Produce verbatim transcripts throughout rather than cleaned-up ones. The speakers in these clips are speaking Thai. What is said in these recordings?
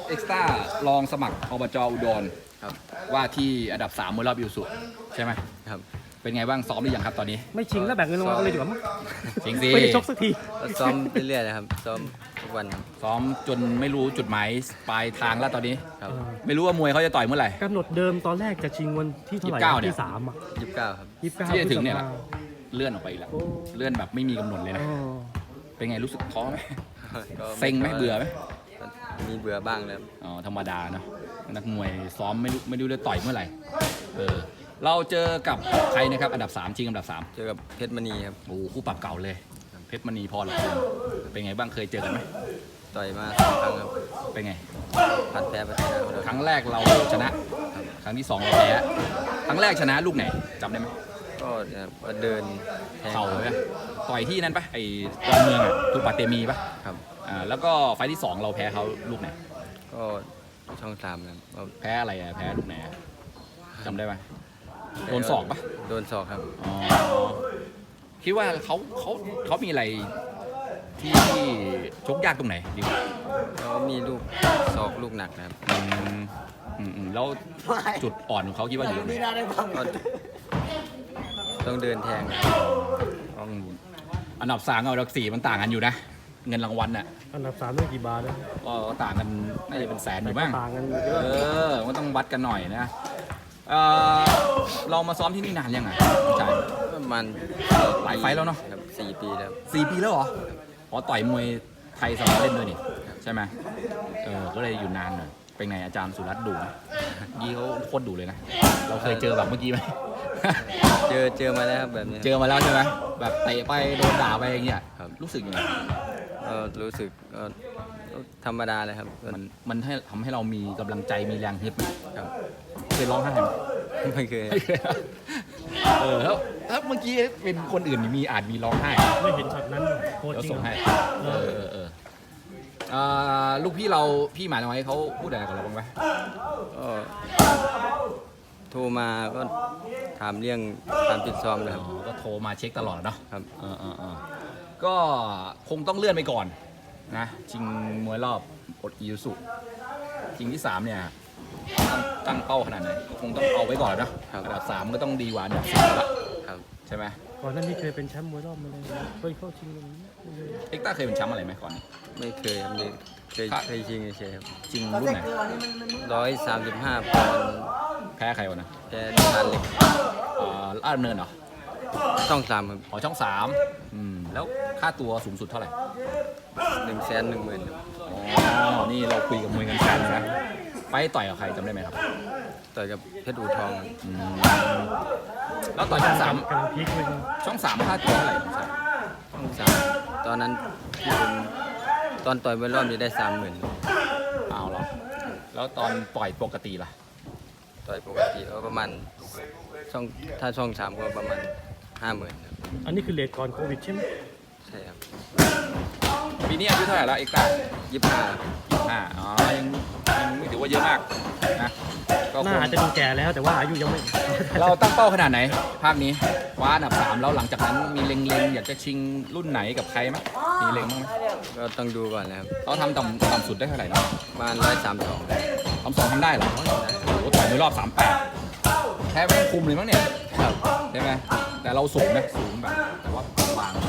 เอ็กซ์ต้าลองสมัครอบจอุดรครับว่าที่อันดับสามมวยรอบอิวสุใช่ไหมครับเป็นไงบ้างซ้อมหรือยังครับตอนนี้ไม่ชิงแล้วแบ่งเงินรางวัลกันเลยดีกว่ามั้งจริงสิไม่ได้ชกสักทีก็ซ้อมเรื่อยๆนะครับซ้อมทุกวันครับซ้อมจนไม่รู้จุดหมายปลายทางแล้วตอนนี้ครับไม่รู้ว่ามวยเขาจะต่อยเมื่อไหร่กำหนดเดิมตอนแรกจะชิงวันที่เท่าไหร่ยี่สิบเก้าเนี่ยที่สามอ่ะยี่สิบเก้าครับยี่สิบเก้าที่จะถึงเนี่ยพฤษแหละภาเลื่อนออกไปอีกแล้วโอ้เลื่อนแบบไม่มีกำหนดเลยนะอ๋อเป็นไงรู้สึกท้อไหมก็เซ็งไหมเบื่อไหมมีเบื่อบ้างแล้วอ๋อธรรมดาเนาะนักมวยซ้อมไม่รู้ไม่รู้จะต่อยเมื่อไหร่เออเราเจอกับใครนะครับอันดับสามชิงอันดับสามเจอกับเพชรมณีครับโอ้คู่ปรับเก่าเลย เพชรมณีพอหรอคุณเป็นไงบ้างเคยเจอกันไหมต่อยมาสองครั้งครับเป็นไงผัดแพ้ไปชนะเขาเลยครั้งแรกเราชนะ ครั้งที่สองเราแพ้ครั้งแรกชนะลูกไหนจำได้ไหมก็เนี่ยก็เดินแทงเข่าใช่ไหมต่อยที่นั่นปะไอ้ตอนเมืองอะทุกปาเตมีปะครับอ่าแล้วก็ไฟล์ที่สองเราแพ้เขาลูกไหนก็ช่องสามนะครับก็แพ้อะไรอะแพ้ลูกไหนอะจำได้ไหมโดนศอกปะโดนศอกครับอ๋อคิดว่าเขาเขาเขามีอะไรที่ชกยากตรงไหนดีกว่าแล้วมีลูกศอกลูกหนักนะครับอืมอืมอืมแล้วจุดอ่อนของเขาคิดว่าอยู่ตรงไหนก็ต้องเดินแทงต้องอันดับสามกับอันดับสี่มันต่างกันอยู่นะ เงินรางวัลน่ะอันดับสามได้กี่บาทนะก็ต่างกันน่าจะเป็นแสนอยู่บ้างต่างกันเยเออะอมันต้องวัดกันหน่อยนะเออเรามาซ้อมที่นี่นานยังไงใช่ประมาณหลายไฟล์แล้วเนอะครับสี่ปีแล้วสี่ปีแล้วเหรออ๋อต่อยมวยไทยสมัครเล่นด้วยนี่ใช่ไหมเออก็เลยอยู่นานหน่อยเป็นไงอาจารย์สุรัตน์ดุไหมยี่เขาโคตรดุเลยนะ เราเคยเจอแบบเมื่อกี้ไหมเจอเจอมาแล้วครับแบบนี้เจอมาแล้วใช่ไหมแบบเตะไปโดนด่าไปอย่างเงี้ยครับรู้สึกยังไงก็รู้สึกก็ธรรมดาเลยครับก็มันมันให้ทำให้เรามีกำลังใจมีแรงฮึดไหมครับเคยร้องไห้ไหมไม่เคยไม่เคยเออแล้วถ้าเมื่อกี้เป็นคนอื่นนี่มีอาจมีร้องไห้ไม่เห็นช็อตนั้นโคตรเดี๋ยวจริงส่งให้เอเอออเออเอออ่าลูกพี่เราพี่หมาน้อยเขาพูดอะไรกับเราบ้างไหมก็โทรมาก็ถามเรื่องการฟิตซ้อมเลยครับอ๋อก็โทรมาเช็คตลอดเนาะครับเออเออเออก็คงต้องเลื่อนไปก่อนนะชิงมวยรอบอดอิวสุชิงที่สามเนี่ยต้องตั้งเป้าขนาดไหนคงต้องเอาไว้ก่อนนะครับ อันดับสามก็ต้องดีกว่าอันดับสี่ละครับใช่ไหมก่อนหนั้นนี่เคยเป็นแชมป์มวยรอบมาเลยเคยเข้าชิงอย่างนี้ไม่เคยเอ็กต้าเคยเป็นแชมป์อะไรไหมก่อนนี้ไม่เคยครับนี่เคยครับเคยชิงเฉยๆครับชิงรุ่นไหนร้อยสามสิบห้าปอนด์แพ้ใครวะนะแพ้ทานเหล็กเอ่อลาดดำเนินเหรอช่องสามครับอ๋อช่องสามอืมแล้วค่าตัวสูงสุดเท่าไหร่หนึ่งแสนหนึ่งหมื่นครับอ๋อนี่เราคุยกับมวยกันแฟนเลยนะไปต่อยกับใครจำได้ไหมครับต่อยกับเพชรอูทองครับอืมแล้วต่อยช่องสามกำลังพีคเลยนะช่องสามค่าตัวเท่าไหร่ช่องสามช่องสามตอนนั้นที่ผมตอนต่อยไปรอบนี้ได้สามหมื่นเอาเหรอแล้วตอนปล่อยปกติล่ะต่อยปกติก็ประมาณช่องถ้าช่องสามก็ประมาณห้าหมื่นครับอันนี้คือเลทก่อนโควิดใช่ไหมใช่ครับปีนี้อายุเท่าไหร่แล้วเอ็กต้ายี่สิบห้าห้าอ๋อยังยังไม่ถือว่าเยอะมากนะก็คหน้าง อาจจะดูแก่แล้วแต่ว่าอายุยังไม่เราตั้งเป้าขนาดไหน ภาคนี้คว้าอันดับสามแล้วหลังจากนั้นมีเล็งๆ อยากจะชิงรุ่นไหนกับใครไหมมีเล็งบ้างไหมก็ต้องดูก่อนนะครับเขาทำต่ำต่ำสุดได้เท่าไหร่นะประมาณร้อยสามสองทำสองทำได้เหรอโอ้โหต่อยในรอบสามแปดแพ้ไม่ต้องคุมเลยมั้งเนี่ยครับใช่ไหมแต่เราสูงนะสูงแบบแต่ว่าบาง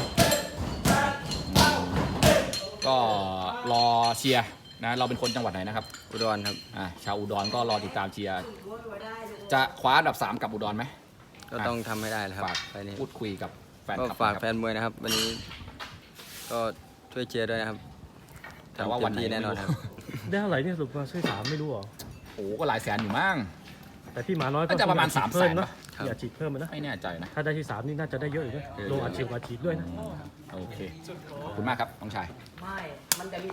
ก็รอเชียร์นะเราเป็นคนจังหวัดไหนนะครับอุดรครับอ่าชาวอุดรก็รอติดตามเชียร์จะคว้าอันดับสามกับอุดรไหมก็ต้องทำให้ได้นะครับฝากไปนี้พูดคุยกับแฟนก็คลับฝากนะแฟครับนมวยนะครับ วันนี้ก็ช่วยเชียร์ด้วยนะครับแต่ว่าวันไหนทำเต็มที่แน่นอนครับได้เท่าไหร่เนี่ยสรุปมาช่วยสามไม่รู้เหรอโอ้โหก็หลายแสนอยู่มั้งแต่พี่หมาน้อยก็น่าจะประมาณอยกฉีดเพิ่สามแสนเนอะครับอย่าฉีดเพิ่มมันนะไม่แน่ใจนะถ้าได้ที่สามนี่น่าจะได้เยอะอยู่นะเออลงอัดฉีดอัดฉีดด้วยนะโอเค ขอบคุณมากครับน้องชายไม่ มันจะมี